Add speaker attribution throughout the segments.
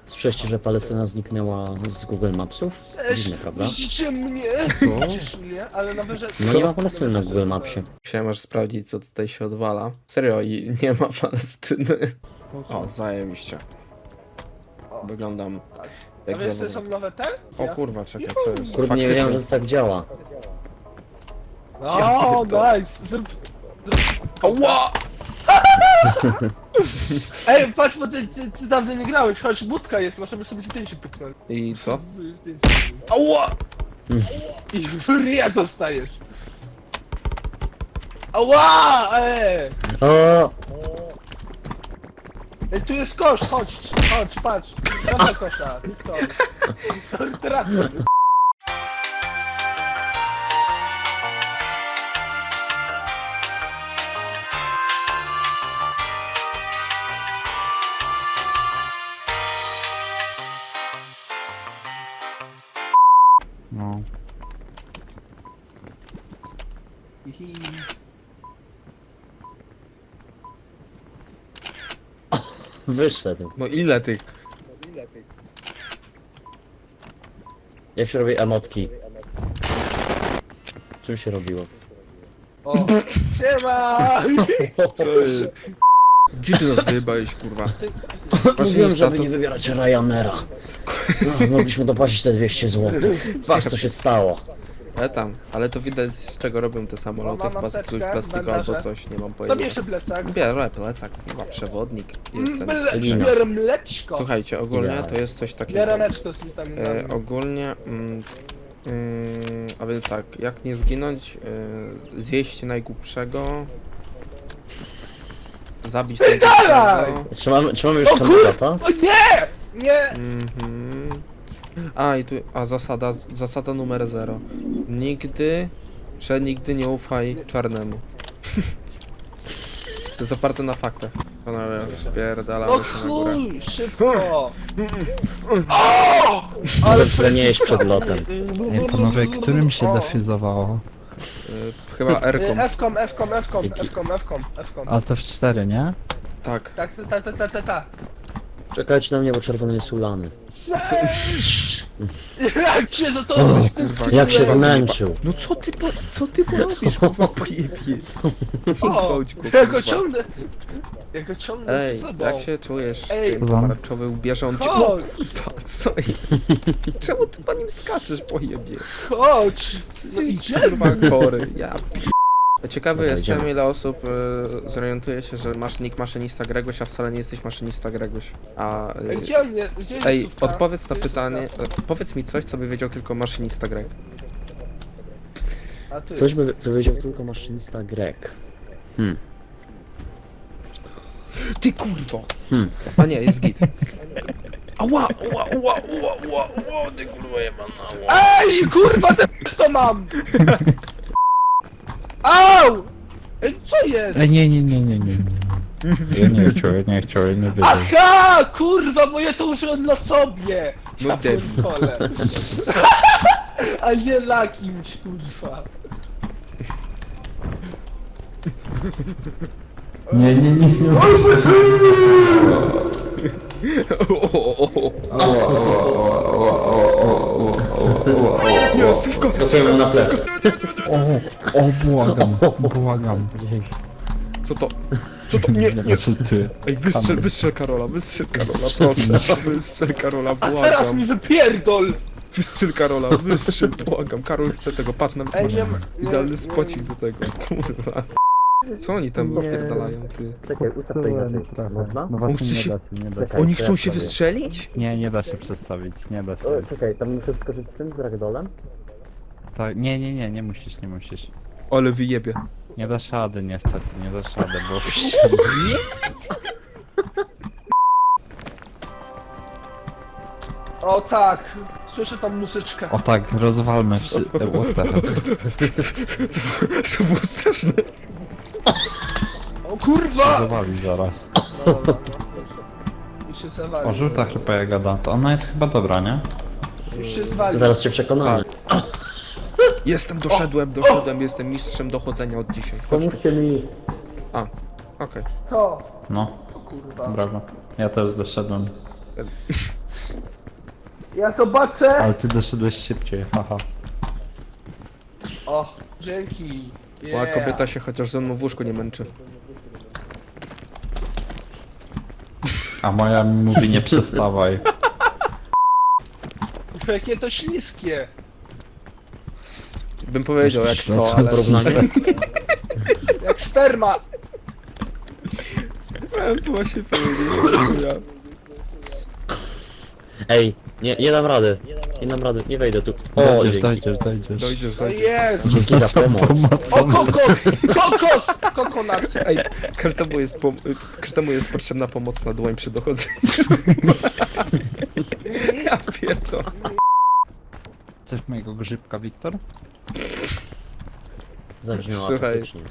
Speaker 1: Słyszeliście, że Palestyna zniknęła z Google Mapsów? Dziwne, prawda?
Speaker 2: Widzicie mnie? Widzisz mnie? Ale na wyżej...
Speaker 1: No nie ma Palestyny na Google Mapsie.
Speaker 3: Musiałem aż sprawdzić, co tutaj się odwala. Serio, i nie ma Palestyny. O, zajebiście. Wyglądam
Speaker 2: A
Speaker 3: jak
Speaker 2: wiesz, co są
Speaker 3: zawodnik.
Speaker 2: nowe te?
Speaker 3: O kurwa, czekaj, co jest?
Speaker 1: Kurde, nie wiedziałem, że to tak działa.
Speaker 2: O, nice! Zrób...
Speaker 3: Ała!
Speaker 2: Ej, patrz, bo ty dawno nie grałeś, chodź, budka jest, możemy sobie zdjęcie pyknąć.
Speaker 3: I co?
Speaker 2: Zdjęcie.
Speaker 3: Ała!
Speaker 2: I w ryja dostajesz. Ała!
Speaker 1: O!
Speaker 2: Ej, tu jest kosz, chodź, patrz. Trafia kosza, Wiktor, trafia.
Speaker 4: No.
Speaker 1: Wyszedł.
Speaker 3: No ile tych?
Speaker 1: Jak się robi emotki? Czym się robiło?
Speaker 2: O, siema!
Speaker 3: Co jest? Gdzie ty nas wyjebałeś, kurwa?
Speaker 1: Mówiłem,
Speaker 3: Maszynista,
Speaker 1: żeby
Speaker 3: to...
Speaker 1: nie wybierać Ryanaira. No, mogliśmy dopłacić te 200 zł. Patrz co się stało.
Speaker 3: tam, ale to widać z czego robią te samoloty,
Speaker 2: Mam
Speaker 3: chyba z jakiegoś
Speaker 2: apteczkę,
Speaker 3: plastiku
Speaker 2: bandaże.
Speaker 3: albo coś, nie mam
Speaker 2: To
Speaker 3: pojęcia.
Speaker 2: bierze plecak.
Speaker 3: Bierę plecak, kurwa, przewodnik, jestem.
Speaker 1: Lina.
Speaker 2: Bierę mleczko.
Speaker 3: Słuchajcie, ogólnie
Speaker 1: Idealnie.
Speaker 3: to jest coś takiego.
Speaker 2: Bierę mleczko z witaminami.
Speaker 3: Ogólnie, a więc tak, jak nie zginąć, zjeść najgłupszego, zabić
Speaker 2: Dalej!
Speaker 3: najgłupszego.
Speaker 1: Trzymamy już
Speaker 2: O kur...
Speaker 1: kandydata?
Speaker 2: O nie! Nie!
Speaker 3: Mhm. A i tu, zasada numer 0. Nigdy, przenigdy nie ufaj czarnemu. To jest oparte na faktach. Panowie, wpierdalamy
Speaker 2: No
Speaker 3: się na górę.
Speaker 2: chuj, szybko! O! Ale
Speaker 1: Tyle nie jeść przed lotem.
Speaker 4: Ej, panowie, którym się defyzowało?
Speaker 3: Chyba R-ką.
Speaker 2: F-kom.
Speaker 4: A to w 4, nie?
Speaker 3: Tak.
Speaker 2: Tak, ta.
Speaker 1: Czekajcie na mnie, bo czerwony jest ulany.
Speaker 2: Jak się za to
Speaker 3: Weź, kurwa,
Speaker 1: Jak się
Speaker 3: kurwa,
Speaker 1: zmęczył.
Speaker 3: No co ty porobisz, kurwa, pojebie? Nie gwałć go,
Speaker 2: Ja go
Speaker 3: kurwa.
Speaker 2: ciągnę. Ja go ciągnę
Speaker 3: Ej,
Speaker 2: z sobą.
Speaker 3: jak się czujesz z
Speaker 2: Ej.
Speaker 3: tym
Speaker 4: Kurwa.
Speaker 3: pomarańczowy ubierze, on cię... O
Speaker 2: Chodź.
Speaker 3: kurwa, co jest? Czemu ty po nim skaczesz, pojebie?
Speaker 2: Chodź! No
Speaker 3: Ty,
Speaker 2: idziemy!
Speaker 3: kurwa, chory, ja... Ciekawy
Speaker 1: Dobra,
Speaker 3: jestem,
Speaker 1: idziemy.
Speaker 3: ile osób zorientuje się, że masz nick maszynista Gregoś, a wcale nie jesteś maszynista Gregoś. A...
Speaker 2: Ej, gdzie on jest? Gdzie jest
Speaker 3: Ej,
Speaker 2: sówka?
Speaker 3: odpowiedz na
Speaker 2: Gdzie jest
Speaker 3: pytanie,
Speaker 2: sówka?
Speaker 3: powiedz mi coś, co by wiedział tylko maszynista Greg.
Speaker 2: A ty.
Speaker 1: Coś by, co wiedział tylko maszynista Greg.
Speaker 3: Ty kurwo!
Speaker 1: Hmm.
Speaker 3: A nie, jest git. Ała, ty kurwa jebana,
Speaker 2: Ej, kurwa, to mam! Au! Ej, co jest?
Speaker 4: Ej, nie. Ja nie chciał, ja nie wiedział.
Speaker 2: Aha, kurwa, bo ja to użyłem na sobie!
Speaker 3: No
Speaker 2: Ja
Speaker 3: debil.
Speaker 2: pierdolę. A nie na kimś, kurwa.
Speaker 4: Nie.
Speaker 3: Nie, stówka!
Speaker 1: Pracuję mu na plecy.
Speaker 4: Błagam.
Speaker 3: Co to? Co to? Nie, nie!
Speaker 4: Ty.
Speaker 3: Ej, wystrzel Karola, proszę. Wystrzel Karola,
Speaker 2: A teraz
Speaker 3: błagam.
Speaker 2: mi wypierdol!
Speaker 3: Wystrzel Karola, błagam. Karol chce tego, patrz, nawet
Speaker 2: Ej,
Speaker 3: masz
Speaker 2: nie ma...
Speaker 3: idealny spocik do tego, kurwa. Co oni tam wypierdalają, ty?
Speaker 1: Czekaj, ustaw to inaczej. Można?
Speaker 4: No
Speaker 3: On
Speaker 4: właśnie
Speaker 3: chce
Speaker 4: nie
Speaker 3: się-
Speaker 4: da się, nie da się.
Speaker 3: Oni chcą się wystrzelić?
Speaker 4: Nie da się przestawić, nie da się.
Speaker 1: O, czekaj, tam muszę skoczyć z tym, z ragdolem?
Speaker 4: Tak, nie musisz.
Speaker 3: Ale wyjebie.
Speaker 4: Nie dasz rady niestety, nie dasz rady, bo...
Speaker 2: O tak, słyszę tam muzyczkę.
Speaker 4: O tak, rozwalmy wszyscy. What the hell?
Speaker 3: To było straszne.
Speaker 2: O kurwa!
Speaker 4: Zawali zaraz.
Speaker 2: Dobra, już się zawali.
Speaker 4: O, żółta chyba jak gada, to ona jest chyba dobra, nie?
Speaker 2: Już się zwali.
Speaker 1: Zaraz się przekonamy.
Speaker 3: Doszedłem, jestem mistrzem dochodzenia od dzisiaj.
Speaker 1: Pomóżcie mi.
Speaker 3: A, okej.
Speaker 2: Co?
Speaker 4: No,
Speaker 2: Kurwa.
Speaker 4: brawo. Ja też doszedłem.
Speaker 2: Ja zobaczę!
Speaker 4: Ale ty doszedłeś szybciej, haha.
Speaker 2: O, dzięki.
Speaker 3: A kobieta się chociaż ze mną w łóżku nie męczy.
Speaker 4: A moja mi mówi nie przestawaj.
Speaker 2: Jakie to śliskie.
Speaker 3: Bym powiedział jak
Speaker 4: No
Speaker 3: co, ale...
Speaker 1: Porównanie?
Speaker 2: Jak sperma.
Speaker 3: Miałem tu właśnie powiedzieć.
Speaker 1: Ej, nie dam rady. Nie dam rady, nie wejdę tu. O,
Speaker 4: Dojdziesz,
Speaker 1: dzięki.
Speaker 4: dojdziesz.
Speaker 3: Dojdziesz,
Speaker 2: No
Speaker 3: dojdziesz.
Speaker 2: jest!
Speaker 1: Dzięki za pomoc.
Speaker 2: O, kokos! Kokos! Kokonat!
Speaker 3: Ej, każdemu jest potrzebna pomoc na dłoń przy dochodzeniu. Ja pierdolę.
Speaker 4: Chcesz mojego grzybka, Wiktor?
Speaker 1: Zabrzmiało
Speaker 3: Słuchaj.
Speaker 1: apatycznie.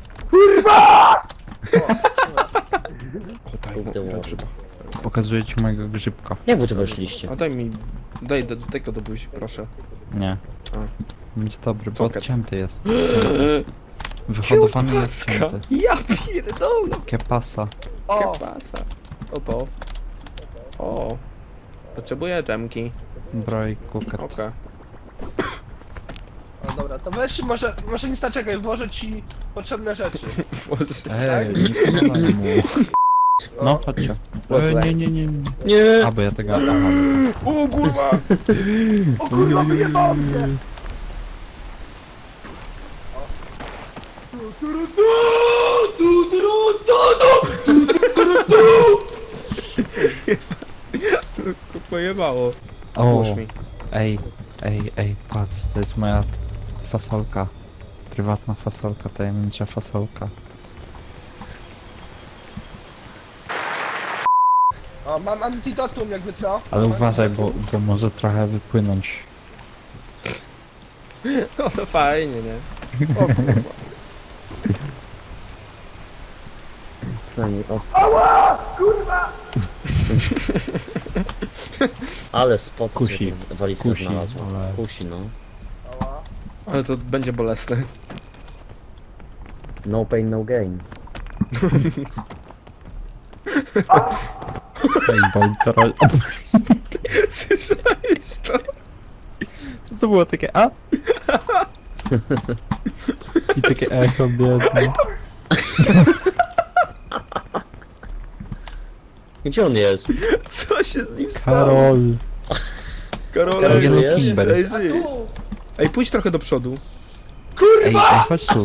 Speaker 3: O, daj mu,
Speaker 1: Kurde,
Speaker 3: dobrze.
Speaker 4: Pokazuję ci mojego grzybka.
Speaker 1: Jak wy tu weszliście?
Speaker 3: A daj mi, daj to do buzi, proszę.
Speaker 4: Nie.
Speaker 3: A.
Speaker 4: Będzie dobry, bo
Speaker 3: Soket.
Speaker 4: odcięty jest. Wyhodowany jest
Speaker 3: Kiełbaska!
Speaker 4: odcięty.
Speaker 3: Ja pierdolę!
Speaker 2: O!
Speaker 4: Kepasa.
Speaker 3: Kiełbasa. O. O. Potrzebuję dżemki.
Speaker 4: Broj kuket.
Speaker 3: Okej.
Speaker 2: No dobra, to weź może nie czekaj, włożę ci potrzebne rzeczy.
Speaker 4: Ej, nie podawaj mu. No, chodźcie. Nie.
Speaker 1: Nie!
Speaker 4: A, bo ja tego... Aha.
Speaker 3: O kurwa!
Speaker 2: O kurwa, wyjebało mnie!
Speaker 3: Pojebało.
Speaker 4: O,
Speaker 3: Włóż mi.
Speaker 4: ej, patrz, to jest moja fasolka. Prywatna fasolka, tajemnicza fasolka.
Speaker 2: O, mam antidotum jakby co?
Speaker 4: Ale
Speaker 2: Mam
Speaker 4: uważaj,
Speaker 2: antidotum.
Speaker 4: bo może trochę wypłynąć.
Speaker 3: No to fajnie, nie? O kurwa.
Speaker 1: Przynajmniej, o.
Speaker 2: Ała! Kurwa!
Speaker 1: Ale spot
Speaker 4: Kusi.
Speaker 1: sobie walizkę
Speaker 4: Kusi,
Speaker 1: znalazła.
Speaker 4: ale-
Speaker 1: Kusi, no.
Speaker 2: Ała.
Speaker 3: Ale to będzie bolesne.
Speaker 1: No pain, no gain.
Speaker 4: Ej, bo teraz...
Speaker 3: Słyszałeś to?
Speaker 4: To było takie a? I takie echo biedne.
Speaker 1: Gdzie on jest?
Speaker 3: Co się z nim stało?
Speaker 4: Karol.
Speaker 3: Karol,
Speaker 1: Karol,
Speaker 3: ej,
Speaker 1: żyjesz?
Speaker 4: Kimber.
Speaker 3: ej,
Speaker 2: A
Speaker 3: żyj.
Speaker 2: tu!
Speaker 3: Ej, pójdź trochę do przodu.
Speaker 4: Ej, chodź tu.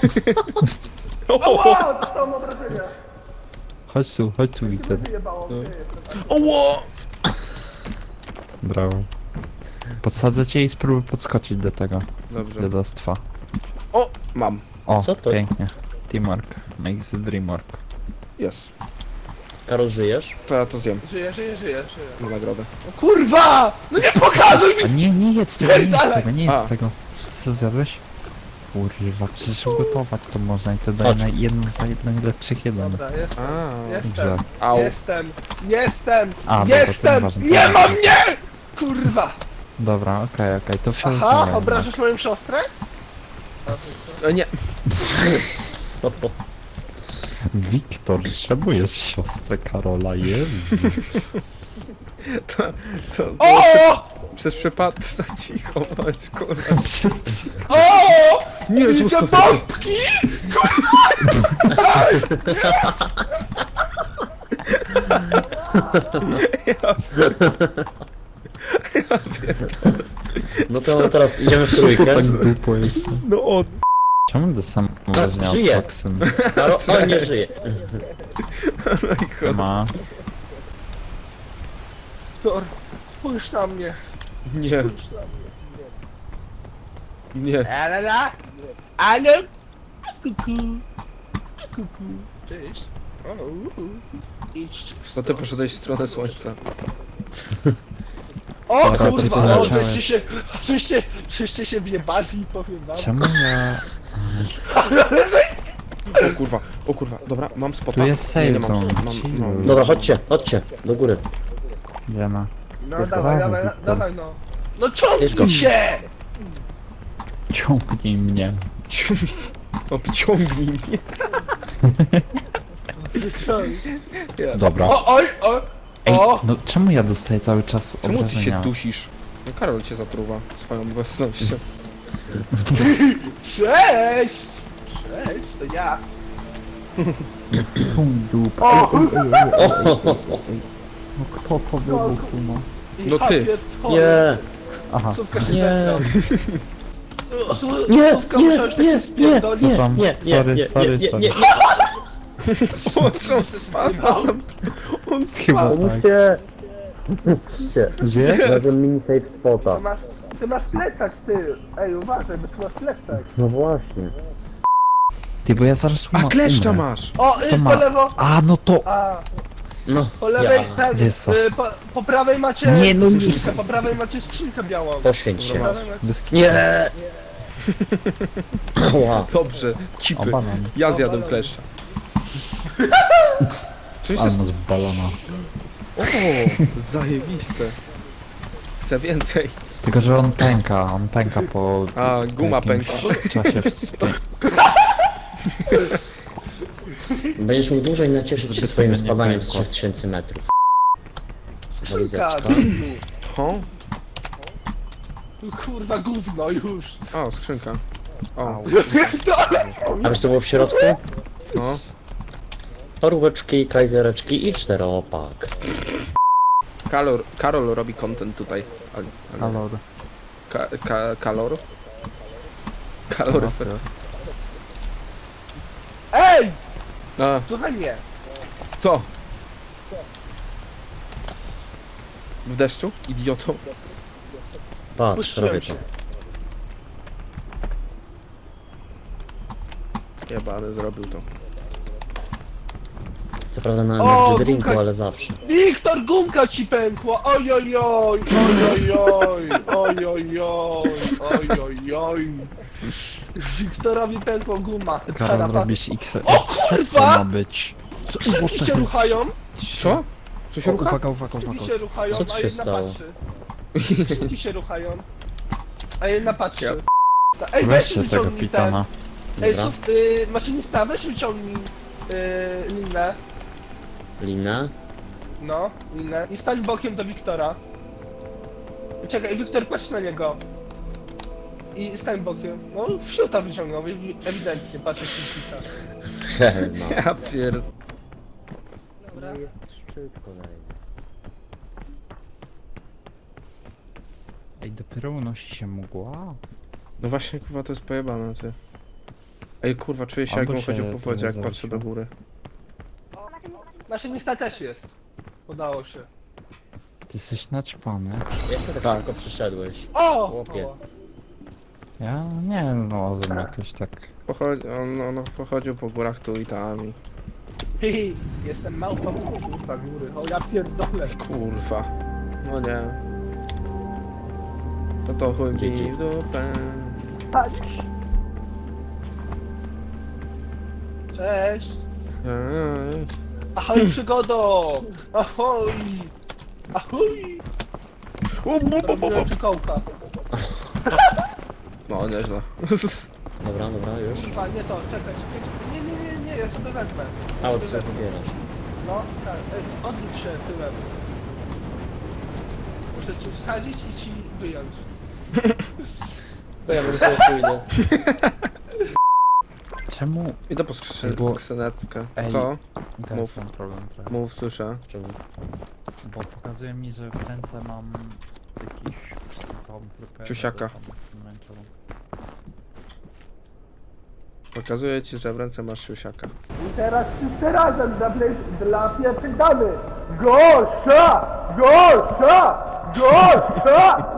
Speaker 2: Ała! Dostałem obrażenia.
Speaker 4: Chodź tu, Wiktor.
Speaker 2: Wyjebało mnie.
Speaker 3: Oło!
Speaker 4: Brawo. Podsadzę cię i spróbuj podskoczyć do tego
Speaker 3: Dobrze.
Speaker 4: dziadostwa.
Speaker 3: O, mam.
Speaker 4: O,
Speaker 1: Co to?
Speaker 4: pięknie. Teamwork. Makes the dream work.
Speaker 3: Jest.
Speaker 1: Karol, żyjesz?
Speaker 3: To ja to zjem
Speaker 2: Żyję.
Speaker 3: na nagrodę.
Speaker 2: O kurwa! No nie pokazuj mi!
Speaker 4: A nie jedz tego, nie jedz
Speaker 3: A.
Speaker 4: tego. Co zjadłeś? Kurwa, przecież ugotować to można i to daje
Speaker 1: Chodź.
Speaker 4: na jeden z najlepszych jeden.
Speaker 2: Dobra, jestem.
Speaker 3: A,
Speaker 2: Jestem.
Speaker 3: Au.
Speaker 2: Jestem.
Speaker 4: A, dobra, to
Speaker 2: Jestem!
Speaker 4: nieważne, to
Speaker 2: Nie ma
Speaker 4: ważne.
Speaker 2: mnie! Kurwa!
Speaker 4: Dobra, okej, to
Speaker 2: Aha,
Speaker 4: fioletowe.
Speaker 2: obrażasz moją siostrę?
Speaker 3: Nie.
Speaker 1: Co?
Speaker 4: Wiktor, trzebujesz siostrę Karola, Jezu.
Speaker 3: To
Speaker 2: O!
Speaker 3: przez przypadek za cicho, bądź kurwa.
Speaker 2: O!
Speaker 3: Nie,
Speaker 2: Widzę
Speaker 3: zostaw to.
Speaker 2: bombki!
Speaker 1: No to teraz idziemy w trójkę.
Speaker 4: Tak dupo jest.
Speaker 3: No on.
Speaker 4: Czemu do samego
Speaker 1: żyje.
Speaker 4: toksyn?
Speaker 1: Karol, on nie żyje.
Speaker 3: No i chodź.
Speaker 4: Ma.
Speaker 2: Tor, spójrz na mnie.
Speaker 3: Nie,
Speaker 2: Spójrz na mnie.
Speaker 3: nie.
Speaker 2: Ale... Kuku. Kuku. Cześć. Idź.
Speaker 3: No ty poszedłeś w stronę słońca.
Speaker 2: O
Speaker 4: Dobra, to
Speaker 2: kurwa,
Speaker 4: tu
Speaker 2: o,
Speaker 4: leciałem.
Speaker 2: żeście się wjebali, powiem wam.
Speaker 4: Czemu ja...
Speaker 3: O kurwa, dobra, mam spota.
Speaker 4: Tu jest save
Speaker 3: nie mam.
Speaker 4: zone,
Speaker 3: Mam.
Speaker 4: chill.
Speaker 1: Dobra, chodźcie, do góry.
Speaker 4: Wiema.
Speaker 2: No dawaj,
Speaker 4: Wiktor.
Speaker 2: dawaj no. No
Speaker 1: Bierz go.
Speaker 2: ciągnij się!
Speaker 4: Ciągnij mnie.
Speaker 3: Obciągnij mnie. Ja.
Speaker 4: Dobra.
Speaker 2: O, oj, o!
Speaker 4: Ej,
Speaker 2: O!
Speaker 4: no czemu ja dostaję cały czas
Speaker 3: Czemu ty się
Speaker 4: obrażenia?
Speaker 3: dusisz? No Karol cię zatruwa swoją obecnością.
Speaker 2: Cześć! Cześć, to ja.
Speaker 4: Pum, dup.
Speaker 2: O!
Speaker 4: No kto to wybuchł, no?
Speaker 3: No ty.
Speaker 1: Nie,
Speaker 4: Aha.
Speaker 2: Słówka się
Speaker 1: Nie.
Speaker 2: zesrał.
Speaker 1: nie,
Speaker 2: Słówka
Speaker 1: nie,
Speaker 2: musiałeś tak
Speaker 1: nie,
Speaker 2: się
Speaker 1: nie,
Speaker 2: spierdolić.
Speaker 1: nie,
Speaker 4: Tam,
Speaker 1: nie, nie,
Speaker 4: sorry,
Speaker 1: nie,
Speaker 4: sorry,
Speaker 1: nie,
Speaker 4: sorry.
Speaker 1: nie,
Speaker 3: O, czy on spadł na sam... On
Speaker 4: Chyba
Speaker 3: spadł.
Speaker 4: tak.
Speaker 1: Pomóżcie!
Speaker 4: Żyjesz?
Speaker 1: Znalazłem mini safe
Speaker 2: Ty
Speaker 1: spota.
Speaker 2: masz, ty masz plecak, ty. Ej, uważaj, bo ty masz plecak.
Speaker 1: No właśnie.
Speaker 4: Ty, bo ja zaraz
Speaker 3: A kleszcza
Speaker 4: umrę.
Speaker 3: masz!
Speaker 2: O,
Speaker 4: To
Speaker 2: po
Speaker 4: ma.
Speaker 2: lewo.
Speaker 4: A, no to...
Speaker 2: A,
Speaker 1: No,
Speaker 2: po lewej,
Speaker 1: ja.
Speaker 2: ten,
Speaker 4: Gdzie jest co?
Speaker 2: po prawej macie
Speaker 4: Nie, no nie.
Speaker 2: skrzynkę, po prawej macie skrzynkę białą.
Speaker 1: Poświęć się.
Speaker 2: Po prawej macie...
Speaker 4: Bez
Speaker 1: Nie! Ła.
Speaker 3: Dobrze,
Speaker 4: O,
Speaker 3: cipy.
Speaker 4: banan.
Speaker 3: Ja zjadłem kleszcza. Coś
Speaker 4: A,
Speaker 3: jest...
Speaker 4: no z balona.
Speaker 3: O, zajebiste. Chcę więcej.
Speaker 4: Tylko, że on pęka po...
Speaker 3: A, guma
Speaker 4: jakimś
Speaker 3: pęka.
Speaker 4: czasie
Speaker 1: Będziesz mógł dłużej nacieszyć się swoim
Speaker 4: nie
Speaker 1: spadaniem z
Speaker 4: pękło.
Speaker 1: 3000 metrów.
Speaker 2: Skrzynka,
Speaker 1: Walizeczka.
Speaker 3: Ho?
Speaker 2: kurwa gówno już.
Speaker 3: O, skrzynka. O,
Speaker 1: A wiesz co było w środku?
Speaker 3: no.
Speaker 1: Toróweczki, kajzereczki i 4-opak.
Speaker 3: Karol robi content tutaj.
Speaker 4: Kalor.
Speaker 3: Kalor? Kaloryfer.
Speaker 2: Ej!
Speaker 3: A,
Speaker 2: Słuchaj mnie.
Speaker 3: co? W deszczu? Idioto.
Speaker 1: Patrz,
Speaker 2: Puszczyłem
Speaker 1: robię
Speaker 2: się.
Speaker 1: to.
Speaker 3: Jebany zrobił to.
Speaker 1: Co prawda na
Speaker 2: O,
Speaker 1: energy drinku,
Speaker 2: gumka-
Speaker 1: ale zawsze.
Speaker 2: Wiktor, gumka ci pękła! Ojojoj! Ojojoj! Ojojoj! Ojojoj! Wiktorowi pękła guma.
Speaker 4: Karol,
Speaker 2: Tarapa-
Speaker 4: robisz X.
Speaker 2: O
Speaker 4: To
Speaker 2: kurwa!
Speaker 4: ma być.
Speaker 2: Skrzynki się ruchają,
Speaker 3: Co? Co się
Speaker 4: O,
Speaker 3: rucha?
Speaker 4: uwaga, uwaga,
Speaker 2: skrzynki
Speaker 4: uwaga.
Speaker 2: się ruchają,
Speaker 1: Co tu
Speaker 2: a
Speaker 1: się
Speaker 2: jedna
Speaker 1: stało?
Speaker 2: patrzy. Skrzynki się ruchają, a jedna patrzy.
Speaker 3: Ja-
Speaker 2: Ej,
Speaker 4: Weź
Speaker 2: weź
Speaker 4: się tego
Speaker 2: wyciągnij ten.
Speaker 4: pitana.
Speaker 2: Ej,
Speaker 1: Dobra.
Speaker 2: maszynista, weź wyciągnij linę.
Speaker 1: Linę.
Speaker 2: No, linę. I stań bokiem do Wiktora. Czekaj, Wiktor, patrz na niego. I stań bokiem. No, wsiuta wyciągnął, ewidentnie, patrz jak się pisa.
Speaker 1: Hehe, no.
Speaker 3: Ja pier...
Speaker 2: Dobra.
Speaker 1: Jest szczyt kolejny.
Speaker 4: Ej, dopiero unosi się mgła?
Speaker 3: No właśnie, kurwa, to jest pojebane, ty. Ej, kurwa, czuję się
Speaker 4: Albo
Speaker 3: jakbym chodził
Speaker 4: się
Speaker 3: po
Speaker 4: to
Speaker 3: wodzie, jak
Speaker 4: zawróciło.
Speaker 3: patrzę do góry.
Speaker 2: Maszynista też jest. Udało się.
Speaker 4: Ty jesteś naćpany.
Speaker 1: Jak ty tak
Speaker 3: Tak.
Speaker 1: szybko przyszedłeś?
Speaker 2: O!
Speaker 1: Chłopie.
Speaker 2: O.
Speaker 4: Ja nie no, jakoś tak...
Speaker 3: On pochodził po górach tu i tam i...
Speaker 2: Hihi, jestem małpą kurwa góry. O, ja pierdolę.
Speaker 3: Kurwa. No nie. No to chuj mi
Speaker 1: Dzięki.
Speaker 3: w dupę.
Speaker 2: Patrz. Cześć.
Speaker 3: Ej.
Speaker 2: Ahoj przygodo! Ahoj! Ahoj! Robiłem fikołka.
Speaker 3: No, nieźle.
Speaker 1: Dobra, dobra, już.
Speaker 2: Kurwa, nie to, czekaj. Nie, ja sobie wezmę.
Speaker 1: A
Speaker 2: Sobie
Speaker 1: od co
Speaker 2: wezmę.
Speaker 1: wybierasz?
Speaker 2: No, tak, odwróć się tyłem. Muszę ci wsadzić i ci wyjąć.
Speaker 1: To ja po prostu pójdę.
Speaker 4: Czemu?
Speaker 3: Idę po
Speaker 4: Bo-
Speaker 3: skrzyneczkę.
Speaker 4: Ej.
Speaker 3: Co?
Speaker 4: Teraz
Speaker 3: Mów.
Speaker 4: mam problem trochę.
Speaker 3: Mów, słyszę.
Speaker 1: Czemu?
Speaker 4: Bo pokazuje mi, że w ręce mam jakiś tą grupę...
Speaker 3: Ciusiaka.
Speaker 4: pomarańczową.
Speaker 3: Pokazuję ci, że w ręce masz siusiaka.
Speaker 2: I teraz wszyscy razem dla pierwszych damy. Gorsza! Gorsza! Gorsza!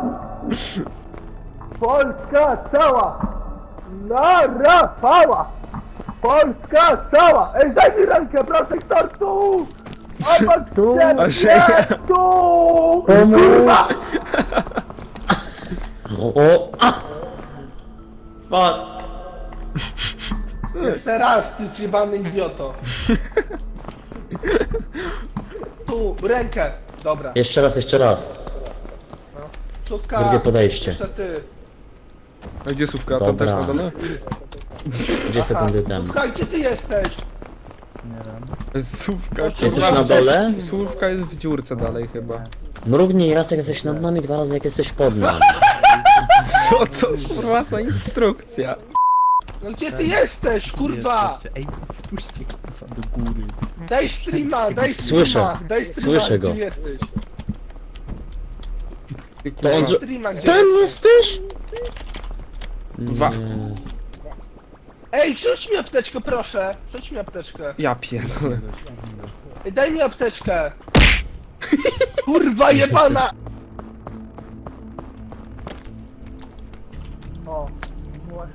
Speaker 2: Polska cała! Na Rafała! Polska cała! Ej, daj mi rękę, proszę, kto tu? Obok
Speaker 1: Tu.
Speaker 3: A że
Speaker 2: ciebie,
Speaker 3: ja-
Speaker 2: tu! Kurwa!
Speaker 1: O! A! Fuck!
Speaker 2: Jeszcze raz, ty zjebany idioto. Tu, rękę. Dobra.
Speaker 1: Jeszcze raz, jeszcze raz.
Speaker 2: Słówka.
Speaker 1: Drugie podejście.
Speaker 2: Jeszcze ty.
Speaker 3: A gdzie słówka? Tam
Speaker 1: Dobra.
Speaker 3: też na dole?
Speaker 1: 2 sekundy temu.
Speaker 2: Słuchaj, gdzie ty jesteś?
Speaker 4: Nie wiem.
Speaker 3: Słówka,
Speaker 2: Jesteś
Speaker 3: kurwa,
Speaker 1: na dole?
Speaker 3: Słówka jest w dziurce dalej chyba.
Speaker 1: Mrugnij raz jak jesteś nad nami, 2 razy jak jesteś pod nami.
Speaker 3: Co to kurwa za instrukcja?
Speaker 2: No gdzie ty jesteś, kurwa?
Speaker 4: Ej, spójrzcie kurwa do góry.
Speaker 2: Daj streama, daj
Speaker 1: Słyszę.
Speaker 2: streama, daj streama,
Speaker 1: Słyszę go.
Speaker 2: gdzie jesteś?
Speaker 3: Ty,
Speaker 1: To on
Speaker 3: kurwa.
Speaker 2: Streama, gdzie
Speaker 1: Tam jesteś?
Speaker 3: Wa-
Speaker 1: Nie.
Speaker 2: Ej, rzuć mi apteczkę, proszę. Rzuć mi apteczkę.
Speaker 3: Ja pierdolę.
Speaker 2: Ej, daj mi apteczkę. Kurwa jebana! O, właśnie.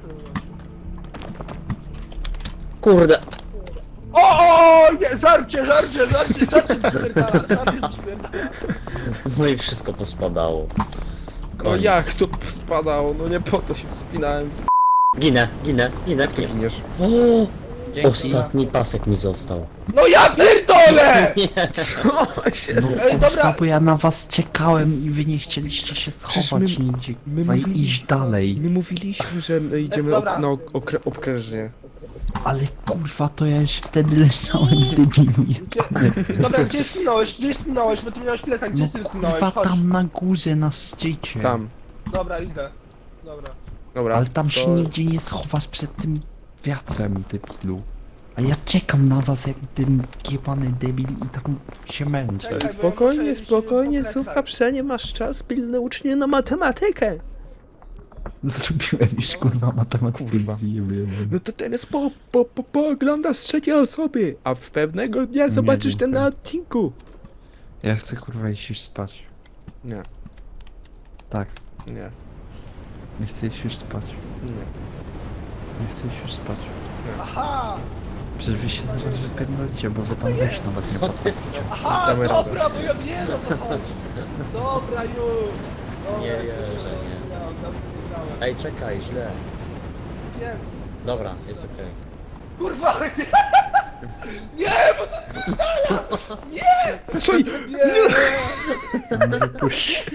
Speaker 1: Kurde.
Speaker 2: O, nie, żarcie spierdala, żarcie spierdala.
Speaker 1: No i wszystko pospadało.
Speaker 3: No
Speaker 1: Koniec.
Speaker 3: jak to spadało? No nie po to się wspinałem.
Speaker 1: Ginę.
Speaker 3: Jak to giniesz?
Speaker 1: O,
Speaker 4: Dzięki.
Speaker 1: ostatni pasek mi został.
Speaker 2: No ja pierdolę!
Speaker 1: Nie.
Speaker 3: Co się
Speaker 2: Ej, dobra,
Speaker 5: Bo ja na was czekałem i wy nie chcieliście się
Speaker 3: Przecież
Speaker 5: schować
Speaker 3: my-
Speaker 5: nigdzie,
Speaker 3: my
Speaker 5: kurwa, i
Speaker 3: mówili-
Speaker 5: iść dalej.
Speaker 3: My mówiliśmy, że my idziemy
Speaker 2: Dobra.
Speaker 3: na okrężnie.
Speaker 5: Ale kurwa, to ja już wtedy leżałem, debilu.
Speaker 2: dobra, gdzie zginąłeś, bo ty miałeś plecak, gdzie
Speaker 5: No
Speaker 2: ty
Speaker 5: kurwa,
Speaker 2: zginąłeś, chodź.
Speaker 5: tam na górze, na szczycie.
Speaker 3: Tam.
Speaker 2: Dobra, idę. Dobra.
Speaker 3: Dobra.
Speaker 5: Ale tam się
Speaker 3: to-
Speaker 5: nigdzie nie schowasz przed tym wiatrem, debilu. A ja czekam na was jak ten jebany debil i tam się męczę.
Speaker 2: Czekaj, bo ja
Speaker 3: Spokojnie,
Speaker 2: muszę
Speaker 3: spokojnie,
Speaker 2: iść po
Speaker 3: Słówka,
Speaker 2: plecach.
Speaker 3: przenie masz czas, pilne ucznie na matematykę.
Speaker 5: Zrobiłem już kurwa matematykę.
Speaker 3: Kurwa.
Speaker 5: zjebałem.
Speaker 3: No to teraz pooglądasz z trzeciej osoby, a w pewnego dnia zobaczysz ten na odcinku.
Speaker 5: Ja chcę kurwa iść już spać.
Speaker 3: Nie,
Speaker 5: Tak,
Speaker 3: nie,
Speaker 5: ja chcę iść już spać.
Speaker 3: nie.
Speaker 5: Ja chcę iść już spać.
Speaker 2: Aha!
Speaker 5: Przecież wy się zaraz wypierdolicie, bo wy tam wejść nawet nie
Speaker 1: Co ty?
Speaker 5: potraficie.
Speaker 2: Aha,
Speaker 3: Damy radę.
Speaker 2: dobra, bo ja wiem o co chodzi. Dobra, już. Dobra,
Speaker 1: Nie wierzę, nie. Ej, czekaj, źle.
Speaker 2: Wiem.
Speaker 1: Dobra, jest okej.
Speaker 2: Kurwa, nie! Nie, bo to Nie!
Speaker 3: Co? i-
Speaker 2: Nie!
Speaker 5: Nie wypuść.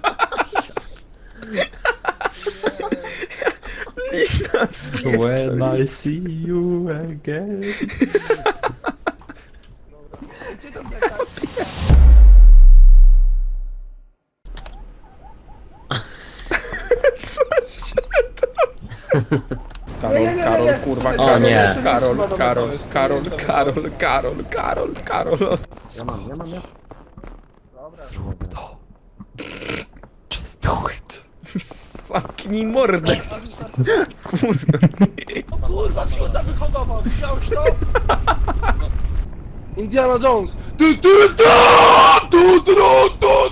Speaker 5: When I see you again.
Speaker 2: Gdzie to plecak?
Speaker 3: Karol,
Speaker 2: Nie, nie, nie,
Speaker 3: Karol,
Speaker 2: nie.
Speaker 3: kurwa,
Speaker 2: O
Speaker 3: Karol,
Speaker 1: nie.
Speaker 3: Karol,
Speaker 2: To nie
Speaker 3: Karol,
Speaker 2: jest
Speaker 3: Karol,
Speaker 2: chyba
Speaker 3: Karol, Karol, Karol, Karol.
Speaker 1: Ja mam.
Speaker 2: Dobra.
Speaker 5: Zrób to. Just do it.
Speaker 3: Zamknij mordę. Kurwa.
Speaker 2: O kurwa, fiuta wyhodował, widziałeś to? Indiana Jones. Tu, tu, tu, tu, tu, tu,